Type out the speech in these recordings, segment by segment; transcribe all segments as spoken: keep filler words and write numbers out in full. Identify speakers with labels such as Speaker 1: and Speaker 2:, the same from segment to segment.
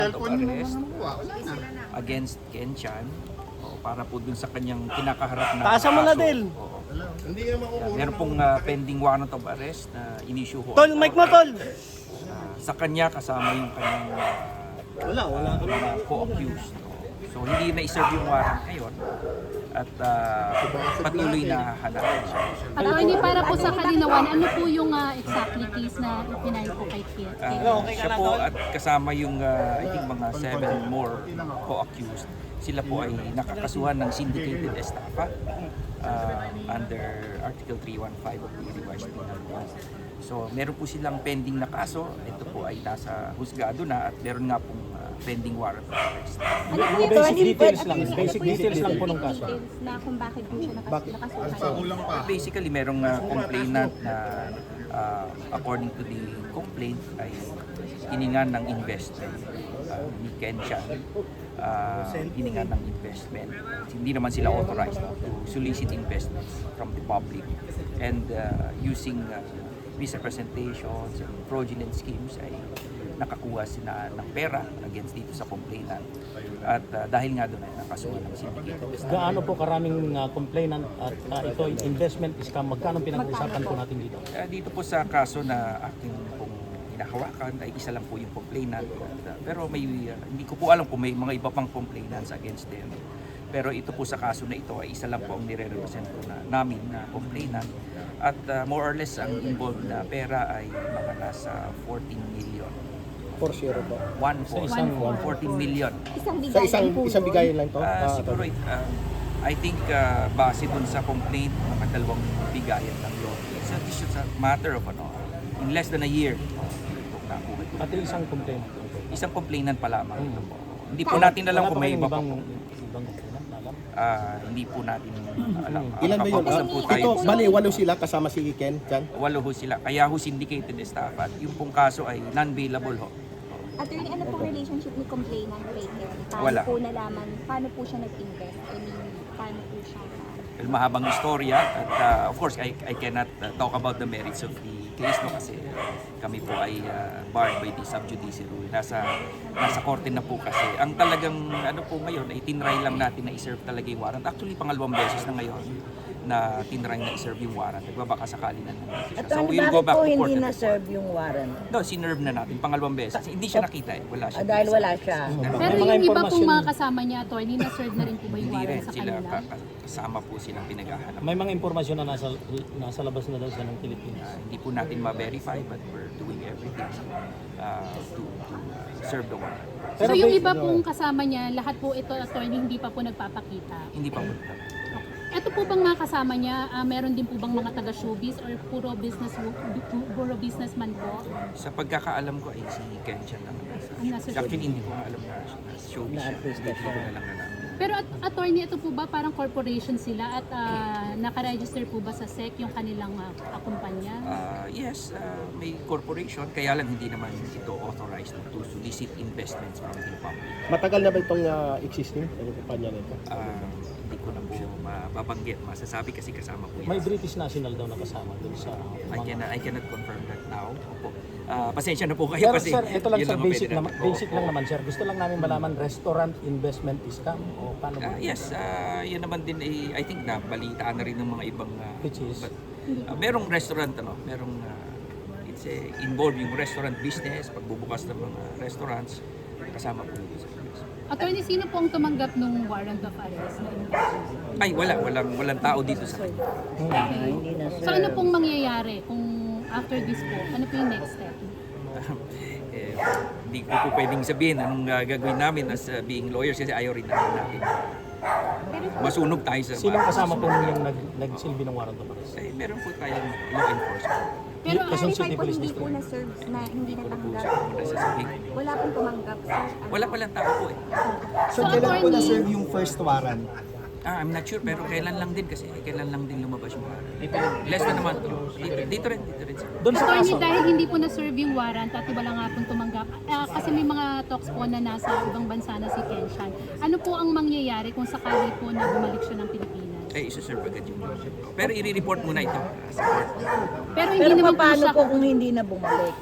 Speaker 1: of arrest against Ken Chan o, para po dun sa kanyang kinakaharap na
Speaker 2: Taasa mo na,
Speaker 1: kaso.
Speaker 2: Del.
Speaker 1: Oo. Yan, meron pong uh, pending warrant of arrest na in-issue ho.
Speaker 2: Tol, mic mo, Tol!
Speaker 1: Uh, sa kanya kasama yung kanyang uh,
Speaker 2: Wala, wala ka
Speaker 1: uh, co-accused. No? So hindi na i-serve yung warrant ngayon at uh, patuloy na hanapin siya.
Speaker 3: Attorney, para po sa kalinawan, ano po yung uh, exactly case na ipinail po kay Kit?
Speaker 1: Uh, siya po at kasama yung uh, I think mga seven more co-accused. Sila po ay nakakasuhan ng syndicated estafa uh, under Article three fifteen of the Revised Penal Code. So meron po silang pending na kaso. Ito po ay nasa husgado na at meron nga pong uh, pending warrant of arrest.
Speaker 4: Ano po yung
Speaker 2: Basic
Speaker 4: Tony,
Speaker 2: details
Speaker 4: ano
Speaker 2: lang,
Speaker 4: po yung-
Speaker 2: basic
Speaker 4: ano po yung
Speaker 2: details lang po ng
Speaker 4: specific
Speaker 2: kaso.
Speaker 4: details na kung bakit po siya nakas nakasuhan?
Speaker 1: Basically, merong uh, complainant na uh, according to the complaint ay hiningan ng investment uh, ni Ken Chan. Uh, hiningan ng investment. Hindi naman sila authorized to solicit investments from the public and uh, using uh, misrepresentations and fraudulent schemes ay nakakuha sila ng pera against dito sa complainant. At uh, dahil nga doon ay nakasuhan ng syndicated estafa.
Speaker 2: Gaano po karaming uh, complainant at uh, ito investment scam, magkano pinag-uusapan po natin dito?
Speaker 1: Uh, dito po sa kaso na aking pong hinahawakan ay isa lang po yung complainant. At, uh, pero may uh, hindi ko po alam kung may mga iba pang complainants against them. Pero ito po sa kaso na ito ay isa lang po ang nire-represent ko na namin na complainant. At uh, more or less ang involved na pera ay mga nasa fourteen million.
Speaker 5: For sure po.
Speaker 1: One
Speaker 2: Sa
Speaker 1: for
Speaker 2: isang
Speaker 1: fourteen million.
Speaker 4: Isang
Speaker 5: Sa
Speaker 4: bigayan
Speaker 5: isang
Speaker 4: po
Speaker 5: isang
Speaker 4: yun?
Speaker 5: bigayan lang to.
Speaker 1: Uh,
Speaker 5: Ah,
Speaker 1: siguro, uh, I think uh, base dun sa complaint, mga dalawang bigayan lang yun. It's a, it's a matter of ano, in less than a year. Uh, itong nakuha ito.
Speaker 2: Pati isang complainant.
Speaker 1: Isang complainant pa lamang ito po. Hindi po
Speaker 4: Kaya-
Speaker 1: natin alam
Speaker 2: Wala
Speaker 1: kung
Speaker 2: pa
Speaker 1: may
Speaker 2: kayong
Speaker 1: iba pa
Speaker 2: ibang,
Speaker 1: po.
Speaker 2: ibang complainant na alam.
Speaker 1: Ah, hindi po natin alam. Ah,
Speaker 5: Ilan ba yun?
Speaker 1: kapag-usap
Speaker 5: Ah,
Speaker 1: po tayo.
Speaker 5: ito, bali, walo sila kasama si Ken Chan.
Speaker 1: Walo ho sila. Kaya ho syndicated estafa. At yung pong kaso ay non-bailable ho.
Speaker 4: Attorney, ano pong relationship ni complainant kay Ken? Paano
Speaker 1: Wala.
Speaker 4: po nalaman, paano po siya nag-invest? I mean, paano po siya?
Speaker 1: Well, mahabang istorya at uh, of course I, I cannot uh, talk about the merits of the case no kasi kami po ay uh, barred by the sub judice rule. Nasa nasa korte na po kasi. Ang talagang ano po ngayon ay tinry lang natin na i-serve talaga yung warrant. Actually pangalawang beses na ngayon na tinry na i-serve yung warrant. Nagbabaka sakali na naman.
Speaker 6: At
Speaker 1: So
Speaker 6: ano,
Speaker 1: we'll
Speaker 6: bakit
Speaker 1: go back
Speaker 6: po
Speaker 1: to court.
Speaker 6: hindi
Speaker 1: and-
Speaker 6: na-serve yung warrant?
Speaker 1: No, sinerve na natin pangalawang beses. Hindi siya nakita eh. Wala siya.
Speaker 6: Ah, dahil wala siya.
Speaker 3: Pero
Speaker 2: May mga
Speaker 3: yung iba pong
Speaker 2: impormasyon-
Speaker 3: mga kasama niya, attorney, na-serve na rin po ba yung
Speaker 1: Hindi rin
Speaker 3: warrant sa
Speaker 1: sila
Speaker 3: kanila?
Speaker 1: ka- ka- kasama po silang pinaghahanap.
Speaker 2: May mga impormasyon na nasa nasa labas na daw siya ng Pilipinas.
Speaker 1: Uh, hindi po natin ma-verify but we're doing everything uh, to, to serve the warrant.
Speaker 3: So
Speaker 2: Pero
Speaker 3: yung
Speaker 2: ba-
Speaker 3: iba pong kasama niya, lahat po ito, attorney, hindi pa po nagpapakita.
Speaker 1: Hindi pa po.
Speaker 3: Ito po bang mga kasama niya, ah, meron din po bang mga taga-showbiz or puro business puro businessman po?
Speaker 1: Sa pagkakaalam ko ay si Ken Chan lang ang nasa
Speaker 3: Ang nasa
Speaker 1: showbiz. Actually, hindi ko alam na na showbiz siya.
Speaker 6: Na-artista
Speaker 1: Hindi ko
Speaker 6: siya.
Speaker 1: na lang alam.
Speaker 3: Pero at, attorney, ito po ba parang corporation sila at ah, nakaregister po ba sa S E C yung kanilang uh, kumpanya?
Speaker 1: Uh, yes, uh, may corporation, kaya lang hindi naman ito authorized to solicit investments from the public.
Speaker 5: Matagal na ba itong uh, existing ang kumpanya nito?
Speaker 1: Uh, hindi ko na po mababanggit, masasabi kasi kasama po
Speaker 2: May
Speaker 1: yan.
Speaker 2: British national daw na kasama dun sa
Speaker 1: I
Speaker 2: mga...
Speaker 1: cannot, I cannot confirm that now. Opo. Uh, pasensya na po kayo
Speaker 2: Pero
Speaker 1: kasi
Speaker 2: sir, ito lang
Speaker 1: yun
Speaker 2: sir,
Speaker 1: ang
Speaker 2: basic,
Speaker 1: pwede
Speaker 2: naman,
Speaker 1: natin.
Speaker 2: basic
Speaker 1: Oo,
Speaker 2: lang
Speaker 1: oo.
Speaker 2: naman sir. Gusto lang namin malaman, restaurant investment scam o paano ba?
Speaker 1: Uh, yes, uh, yun naman din eh, I think na balitaan na rin ng mga ibang uh,
Speaker 2: Which is?
Speaker 1: but, uh, merong restaurant ano, merong uh, it's a involved yung restaurant business, pagbubukas ng mga restaurants kasama po dito sa business.
Speaker 3: Attorney, sino po ang tumanggap ng warrant of arrest?
Speaker 1: Ay, wala, walang walang tao dito sa kanya.
Speaker 6: Ah, hindi na-serve.
Speaker 3: So ano pong mangyayari kung after this po? Ano po yung next step?
Speaker 1: eh, hindi ko po pwedeng sabihin anong uh, gagawin namin as uh, being lawyers kasi ayaw rin namin natin. Masunog tayo sa
Speaker 2: Sinong kasama po yung nag, nagsilbi ng warrant of arrest?
Speaker 1: Eh, meron po tayong law enforcement.
Speaker 3: Pero
Speaker 2: Kasi-
Speaker 3: ah,
Speaker 4: Clarify
Speaker 2: City
Speaker 4: po,
Speaker 2: Police
Speaker 4: hindi po
Speaker 2: District.
Speaker 4: na-serve na hindi
Speaker 1: Wala po
Speaker 4: natanggap.
Speaker 1: siya kung nasasabihin.
Speaker 4: Wala pong tumanggap, sir.
Speaker 1: Wala palang tao po eh.
Speaker 3: so attorney,
Speaker 7: yung first warrant?
Speaker 1: Ah, I'm not sure pero kailan lang din kasi kailan lang din lumabas yung warrant. Less na naman to. Dito, dito rin, dito rin.
Speaker 2: Doon sa
Speaker 3: attorney,
Speaker 2: kaso,
Speaker 3: dahil hindi po na-serve yung warrant at wala nga pong tumanggap, ah, kasi may mga talks po na nasa ibang bansa na si Ken Chan. Ano po ang mangyayari kung sakali po na bumalik siya ng Pilipinas?
Speaker 1: eh isuserve agad yung motion. Pero i-report muna ito sa court.
Speaker 3: Pero hindi
Speaker 6: Pero
Speaker 3: naman po
Speaker 6: paano
Speaker 3: siya...
Speaker 6: po kung hindi na bumalik?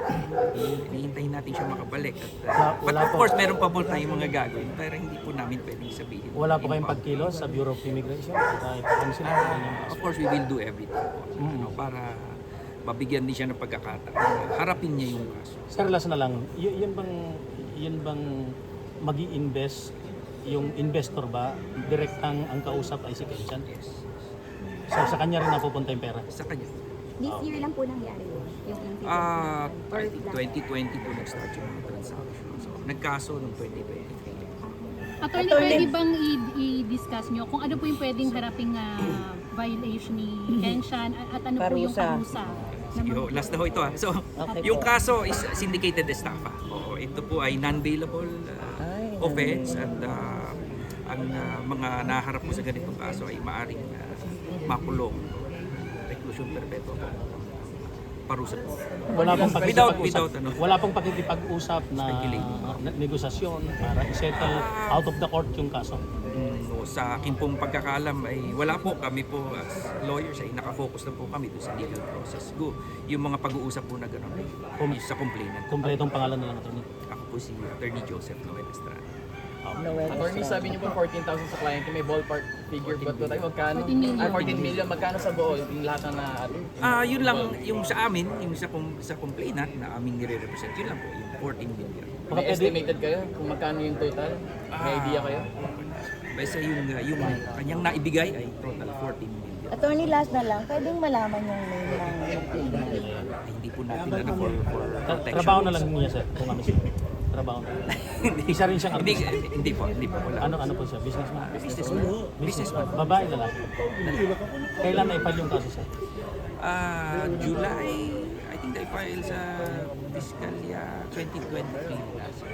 Speaker 1: Hihintayin natin siya makabalik. At, uh,
Speaker 2: Wala-
Speaker 1: but
Speaker 2: wala
Speaker 1: of
Speaker 2: po.
Speaker 1: course, meron pa po tayong mga gagawin. Pero hindi po namin pwedeng sabihin.
Speaker 2: Wala po kayong
Speaker 1: In-
Speaker 2: pagkilos sa Bureau of Immigration? Kahit ano sila?
Speaker 1: Ah, of course, we will do everything po. Ano, para mabigyan din siya ng pagkakataon. Harapin niya yung kaso.
Speaker 2: Sir, last na lang, y- yun bang, yun bang mag-i-invest, yung investor ba, direct ang, ang kausap ay si Kenchan?
Speaker 1: Yes.
Speaker 2: So sa kanya rin napupunta yung pera?
Speaker 1: Sa kanya.
Speaker 4: This year lang po nangyari yun, yung incident.
Speaker 1: Ah,
Speaker 4: Or
Speaker 1: I think
Speaker 4: last-
Speaker 1: twenty twenty po nag-start yung mga transaction. So, nagkaso noong twenty twenty-three.
Speaker 3: Attorney, pwede bang i- i-discuss nyo kung ano po yung pwedeng haraping ah, violation ni Kenshan at, at ano po yung
Speaker 6: Parusa.
Speaker 3: parusa?
Speaker 1: Sige, ho, last na ho ito ha. So,
Speaker 6: Okay
Speaker 1: yung
Speaker 6: po.
Speaker 1: kaso is syndicated estafa. Oo, ito po ay non-bailable uh,
Speaker 6: Ay,
Speaker 1: offense at uh, ang uh, mga naharap mo sa ganitong kaso ay maaring uh, makulong, reclusion perpetua po. Parusa po.
Speaker 2: Wala pong
Speaker 1: Without-
Speaker 2: pakikipag-usap,
Speaker 1: without ano?
Speaker 2: wala pong pakikipag-usap na,
Speaker 1: Speculate.
Speaker 2: na negosasyon para i-settle out of the court yung kaso.
Speaker 1: Mm, no, sa akin pong pagkakalam ay wala po kami po as lawyers ay nakafocus na po kami doon sa legal process. Go, yung mga pag-uusap po na gano'n ay
Speaker 2: Kum-
Speaker 1: sa complainant.
Speaker 2: Kompletong pangalan na lang ito.
Speaker 1: Ako po si Attorney Joseph Noel Estrada.
Speaker 6: Noel
Speaker 7: Attorney,
Speaker 6: Estrada.
Speaker 7: sabi niyo po fourteen thousand sa client, may ballpark figure ba ito tayo? Magkano?
Speaker 3: fourteen million.
Speaker 7: Ah, fourteen million. Magkano sa buo? Yung lahat na na...
Speaker 1: Ah, yun lang yung sa amin, yung sa com- sa complainant na aming nire-represent, yun lang po, yung fourteen million.
Speaker 2: Baka
Speaker 7: May
Speaker 2: pwede,
Speaker 7: estimated kayo kung magkano yung total? May idea kayo?
Speaker 1: Basta yung uh, yung kanyang naibigay ay total fourteen million.
Speaker 6: Attorney, last na lang, pwedeng malaman yung name ng complainant.
Speaker 1: Ay, hindi po natin na for, for
Speaker 2: tra-
Speaker 1: protection.
Speaker 2: trabaho na lang niya sir, kung ano siya. Trabaho na lang.
Speaker 1: hindi,
Speaker 2: Isa rin siyang
Speaker 1: hindi,
Speaker 2: artista.
Speaker 1: hindi po, hindi po. Wala.
Speaker 2: Ano ano po siya? Businessman?
Speaker 1: Businessman. Businessman.
Speaker 2: Babae na lang. Kailan na-file yung kaso sir?
Speaker 1: Ah, July, I think I filed sa fiscal year twenty twenty-three.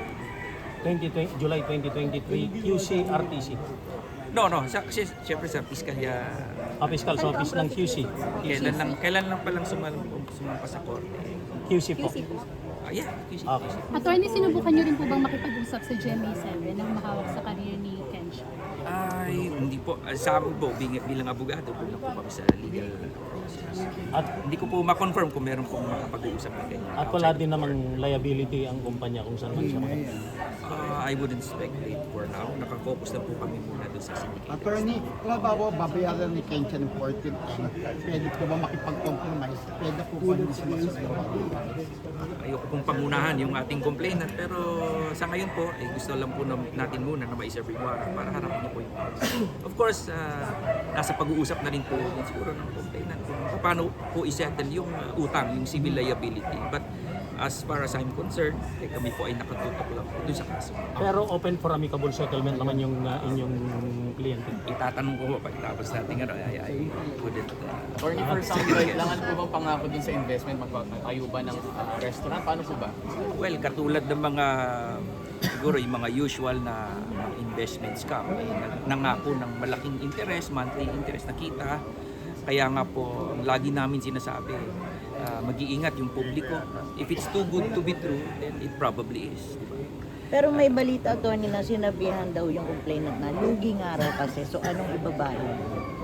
Speaker 2: twenty twenty, July twenty twenty-three, Q C R T C.
Speaker 1: No, no, sa, si- siyempre sa fiscal year,
Speaker 2: Ah, fiscal office ng Q C.
Speaker 1: kailan lang, kailan lang palang sumal, sumampa sa korte.
Speaker 2: Q C po.
Speaker 1: Ah, yeah, Q C.
Speaker 2: Okay.
Speaker 3: Attorney, sinubukan nyo rin po bang makipag-usap sa G M A seven na makawak sa career ni Kenshan?
Speaker 1: Ay, hindi po. Ah, Sa amin po, bilang, bilang abogado, bilang po kami sa legal process.
Speaker 2: At
Speaker 1: Hindi ko po ma-confirm kung meron pong makapag-uusap na ganyan.
Speaker 2: at wala din namang liability ang kumpanya kung saan man siya maka-
Speaker 1: Ah, I wouldn't speculate for now. Nakafocus na po kami muna doon sa syndicate.
Speaker 8: Attorney, kung halimbawa babayaran ni Kenshan ng fourteen M, pwede po ba makipag-compromise? Pwede po ba hindi siya magsasawa?
Speaker 1: Ayoko pong pangunahan yung ating complainant, pero sa ngayon po, eh, gusto lang po na- natin muna na ma-serve yung warrant para harapin niyo po yung case. Of course, ah, nasa pag-uusap na rin po din siguro ng complainant kung paano po isettle yung ah, utang, yung civil liability. But as far as I'm concerned, eh, kami po ay nakatutok lang po dun sa kaso.
Speaker 2: Pero open for amicable settlement naman yung uh, inyong kliyente.
Speaker 1: Itatanong ko po pagtapos natin ano, ay, ay couldn't. Uh,
Speaker 7: Attorney, for example, kailangan po bang pangako din sa investment? Magpatayo ba ng ah, restaurant? Paano po ba?
Speaker 1: well, katulad ng mga siguro yung mga usual na mga investment scam, eh, nag- nangako ng malaking interest, monthly interest na kita. Kaya nga po, ang lagi namin sinasabi, ah, mag-iingat yung publiko. If it's too good to be true, then it probably is. Diba?
Speaker 6: Pero may balita, Attorney, na sinabihan daw yung complainant na lugi nga raw kasi. So anong ibabayad?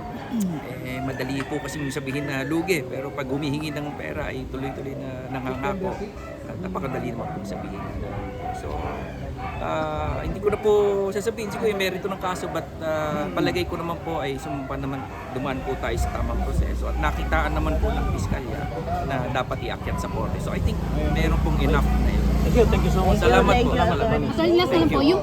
Speaker 1: Eh, madali po kasi sabihin na lugi, pero pag humihingi ng pera ay tuloy-tuloy na nangangako. At napakadali naman po sabihin. So, ah, hindi ko na po sasabihin siguro yung merito ng kaso, but ah, palagay ko naman po ay sumpa naman, dumaan po tayo sa tamang proseso at nakitaan naman po ng piskalya na dapat iakyat sa korte. So I think meron pong enough na yun.
Speaker 2: Thank you, thank you so much.
Speaker 1: Salamat
Speaker 6: Thank
Speaker 1: po.
Speaker 6: you,
Speaker 1: Salamat.
Speaker 6: Attorney.
Speaker 3: Attorney, last na lang po, yung